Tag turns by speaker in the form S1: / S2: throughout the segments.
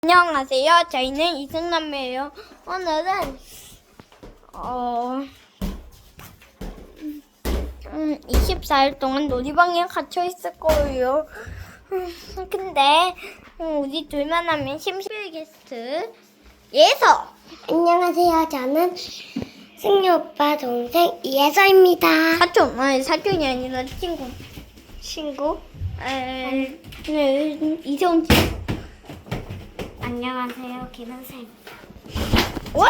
S1: 안녕하세요. 저희는 이승남매예요. 오늘은 24일 동안 놀이방에 갇혀 있을 거예요. 근데 우리 둘만 하면 심심해 게스트 예서.
S2: 안녕하세요. 저는 승유 오빠 동생 이예서입니다.
S1: 사촌이 아니라 친구. 이세훈 친구.
S2: 안녕하세요. 김은생.
S1: 와!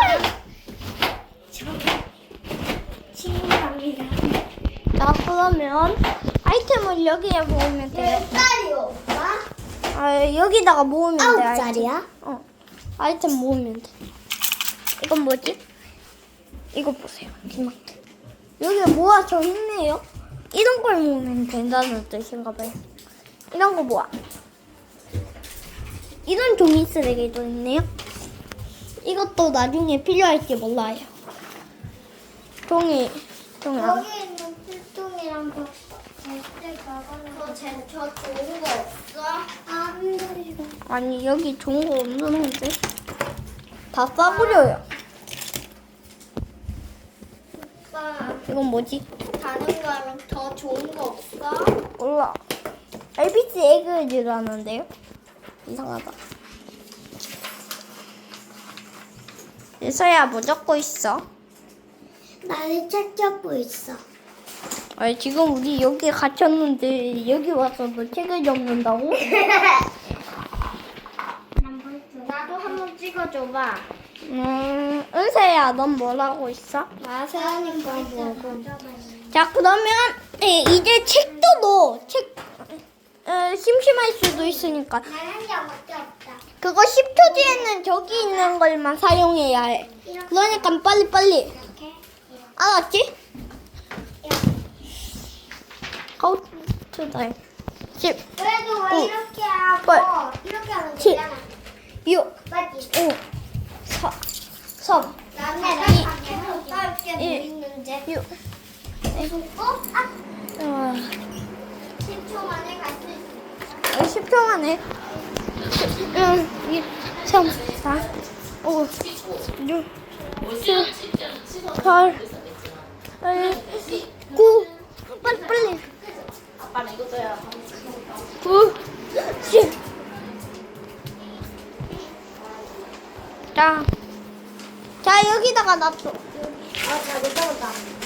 S2: 친구랍니다.
S1: 자, 그러면 아이템을 여기에 모으면 돼요.
S2: 몇 살이요, 오빠?
S1: 여기다가 모으면 돼.
S2: 9살이야?
S1: 아이템 모으면 돼. 이건 뭐지? 이거 보세요. 김학태. 여기 모아져 있네요. 이런 걸 모으면 된다는 뜻인가 봐요. 이런 거 모아. 이런 종이 쓰레기도 있네요. 이것도 나중에 필요할지 몰라요. 종이.
S2: 여기 있는 필통이랑 저 좋은 거 없어? 안 돼.
S1: 아니, 여기 좋은 거 없는데. 다 싸구려요.
S2: 오빠,
S1: 이건 뭐지?
S2: 다른 거랑 더 좋은 거 없어?
S1: 몰라. ABC 에그즈라는데요? 이상하다. 예서야, 뭐 적고 있어?
S2: 나는 책 적고 있어.
S1: 아니, 지금 우리 여기 갇혔는데 여기 와서 너 책을 적는다고?
S2: 나도 한번 찍어줘봐.
S1: 은세야, 넌 뭘 하고 있어?
S2: 나 세연이 거 보고.
S1: 자, 그러면 이제 책도 넣어. 심심할 수도 있으니까.
S2: 나는 영어밖에 없다.
S1: 그거 10초 뒤에는 저기 있는 걸만 사용해야 해. 그러니까 빨리빨리.
S2: 이렇게.
S1: 알았지? 카운트다임. 10,
S2: 그래도 왜
S1: 오,
S2: 이렇게 하고
S1: 팔,
S2: 이렇게 하면
S1: 칠,
S2: 되잖아.
S1: 6,
S2: 맞지?
S1: 5, 4, 3,
S2: 나는
S1: 이,
S2: 오빠 이렇게 뭐
S1: 일.
S2: 있는데
S1: 6.
S2: 아, 10초 만에 갈 수 있어.
S1: 10초 만에. 1, 2, 3, 4, 5, 6, 7, 8, 9. 빨리.
S3: 아빠는 이것도야.
S1: 9, 10. 자, 여기다가 놔둬.
S2: 잘 못하겠다.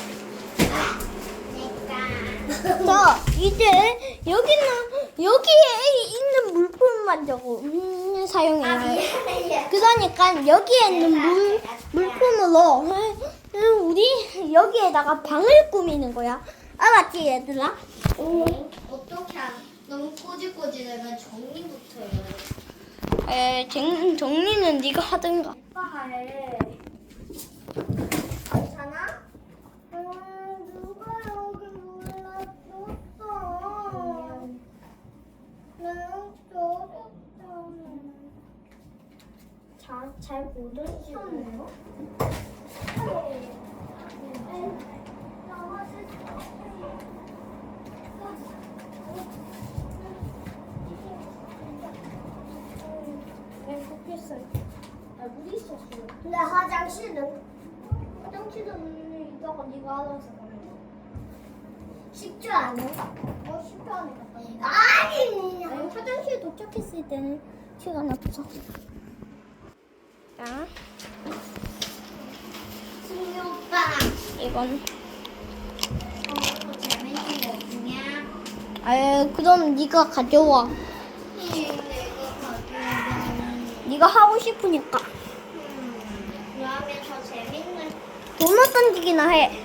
S1: 자, 이제 여기에 있는 물품만 저거 사용해야 해. 그러니까 여기에 있는 물품으로 우리 여기에다가 방을 꾸미는 거야. 알았지, 얘들아?
S2: 어떻게 너무 꼬질꼬질하면 정리부터 해요.
S1: 정리는 네가 하든가.
S2: 오빠 해. 괜찮아? 누가 여기 몰라줬어? 나는 줬잖아. 잘 모르시네요. 물이 있었어요. 근데 화장실은 이따가 네가 알아서 가면 돼. 10초 안에? 10초 안에 갔다 오면 돼. 아니,
S1: 화장실 도착했을 때는 시간 없어. 자,
S2: 승유 오빠.
S1: 이건.
S2: 더 재밌는 거 없냐?
S1: 그럼 네가 가져와.
S2: 내가 가져오면
S1: 네가 하고 싶으니까.
S2: 그러면 더 재밌는
S1: 도넛 던지기나 해.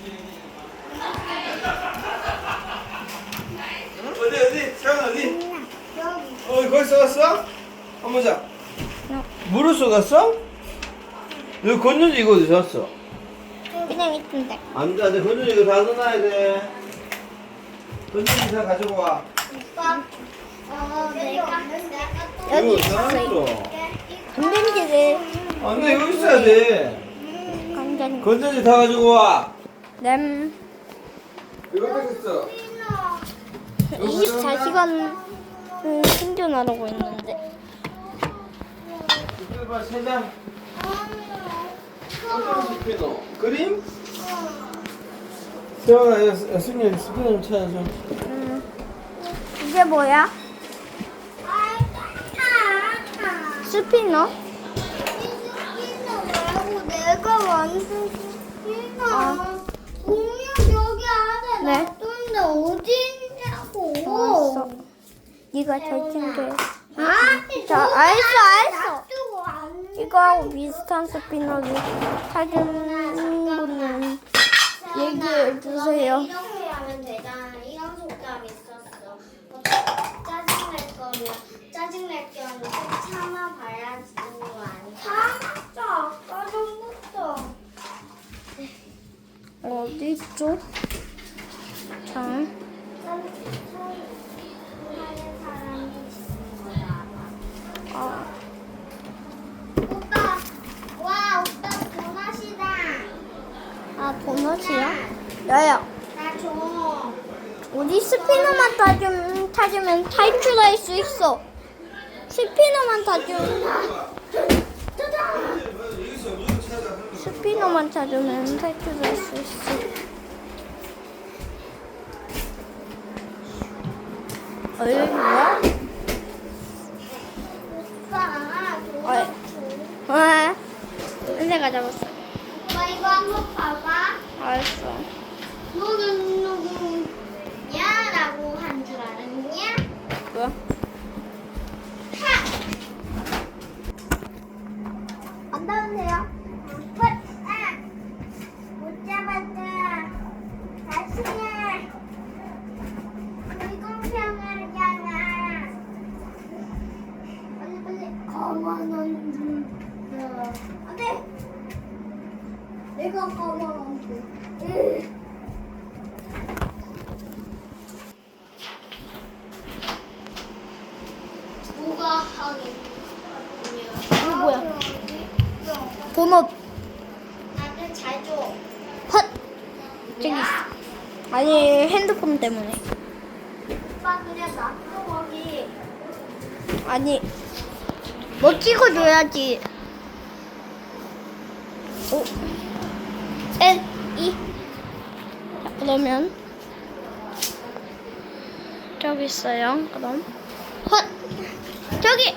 S4: 어디? 태연 어디?
S2: 여기
S4: 거기 쏘갔어? 한번 자. 물을 쏘갔어? 여기 건전지 이거 어디 샀어?
S1: 그냥 있던데.
S4: 안 돼, 건전지 이거 다 넣어놔야 돼. 건전지 다 가지고 와.
S2: 오빠 내가
S1: 여기
S4: 이거 다
S1: 있어요.
S4: 놨어.
S1: 건전지를
S4: 안 돼, 이거 있어야 돼.
S1: 건전지.
S4: 건전지 다 가지고 와.
S1: 램
S4: 이거 어디 있어?
S1: 24시간 생존하라고 했는데.
S4: 해봐, 세 장. 어떤 스피너? 그림? 세영아, 승리 스피너 좀 찾아줘.
S1: 이게 뭐야? 스피너?
S2: 내가 완전 스피너. 공룡 여기 안에
S1: 네.
S2: 놔뒀는데 어디 있냐고.
S1: 알았어. 네가 잘 챙겨.
S2: 아니,
S1: 자, 알았어.
S2: 놔두고 왔는데.
S1: 이거하고 비슷한 스피너를 찾은 분은 얘기해 주세요.
S2: 이렇게 하면 되잖아. 이런 속담 있었어. 짜증낼 거면 짜증낼 경우 좀 참아봐야지 거 아니야. 참았어. 아까 전부터.
S1: 어디 있죠? 자,
S2: 하는 사람이 있는 거야. 오빠, 와 오빠 도넛이다.
S1: 도넛이야? 야야,
S2: 나 줘.
S1: 우리 스피너만 찾으면 탈출할 수 있어. 스피너만 찾으면 탈출할 수 있어. 여기 뭐야?
S2: 오빠 도넛 줘.
S1: 아, 은혜가 잡았어.
S2: 오빠 이거 한번 봐봐.
S1: 알았어.
S2: 너는 누구냐? 라고 한 줄 알았냐?
S1: 뭐야?
S2: 안 닿으세요? 못 잡았다. 다시 해. 불공평하잖아. 빨리 가만한 줄. 안 돼. 내가 가만한 줄. 누가 하겠냐?
S1: 이거 뭐야? 도넛.
S2: 나한테 잘 줘.
S1: 헛! 저기 있어. 아니, 핸드폰 때문에.
S2: 오빠 그냥 놔둬 거기.
S1: 아니, 뭐 찍어줘야지. 5, 1, 2. 자, 그러면 저기 있어요. 그럼 헛! 저기!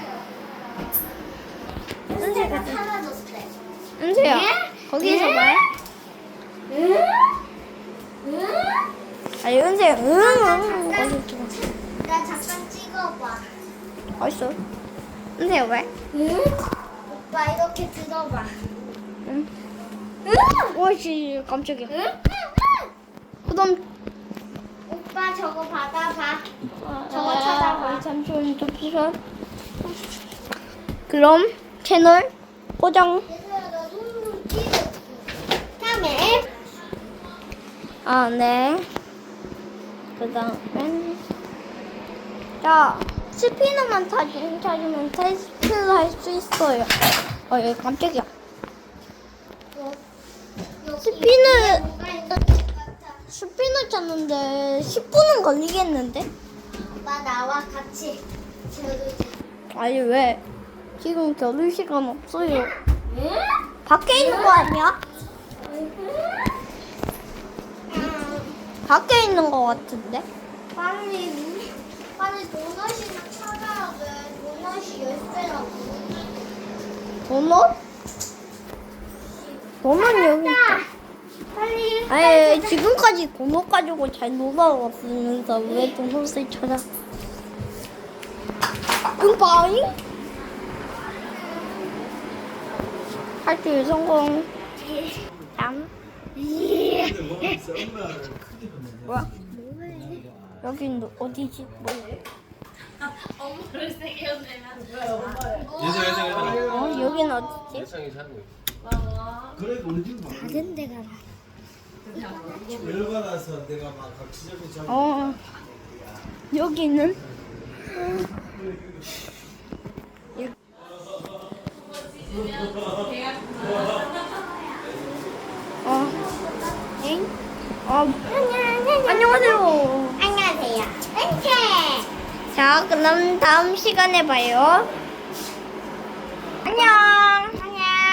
S2: 은세가 사라졌대.
S1: 은세야,
S2: 예?
S1: 거기서
S2: 예?
S1: 봐.
S2: 응? 응?
S1: 아니, 은세야, 응. 거기 있어.
S2: 나 잠깐 찍어봐.
S1: 어딨어? 은세야, 왜?
S2: 응? 오빠 이렇게 들어봐.
S1: 응.
S2: 응?
S1: 오씨, 깜짝이야.
S2: 응?
S1: 그럼
S2: 오빠 저거 받아봐. 저거 찾아봐.
S1: 잠시만 잠시만. 그럼 채널 고정.
S2: 얘들아 너 눈 찍었어. 다음에
S1: 아 네. 그다음엔 자 스피너만 찾으면 테스트를 할 수 있어요. 여기 깜짝이야. 스피너
S2: 뭐가 있는 것 같아.
S1: 스피너 찾는데 10분은 걸리겠는데?
S2: 오빠 나와 같이 저기.
S1: 아니 왜? 지금 겨룰 시간 없어요.
S2: 응?
S1: 밖에 있는 거 아니야? 밖에 있는 거 같은데?
S2: 빨리 도넛이나 찾아야 돼. 도넛이 10배라고.
S1: 도넛? 도넛 여기 있다.
S2: 빨리.
S1: 아니 지금까지 도넛 가지고 잘 놀아왔으면서 왜 도넛을 찾아? 응바잉? 탈출 성공. 땀. 뭐야? 여긴 어디지? 뭐지?
S3: 엄마를 세게 혼내면
S1: 여긴 어디지?
S5: 그래 우리 집 막.
S2: 다른 데 가라.
S5: 열받아서 내가 막 각지적인 장.
S1: 여기는 엥? 안녕하세요.
S2: 안녕하세요. 은채.
S1: 자, 그럼 다음 시간에 봐요.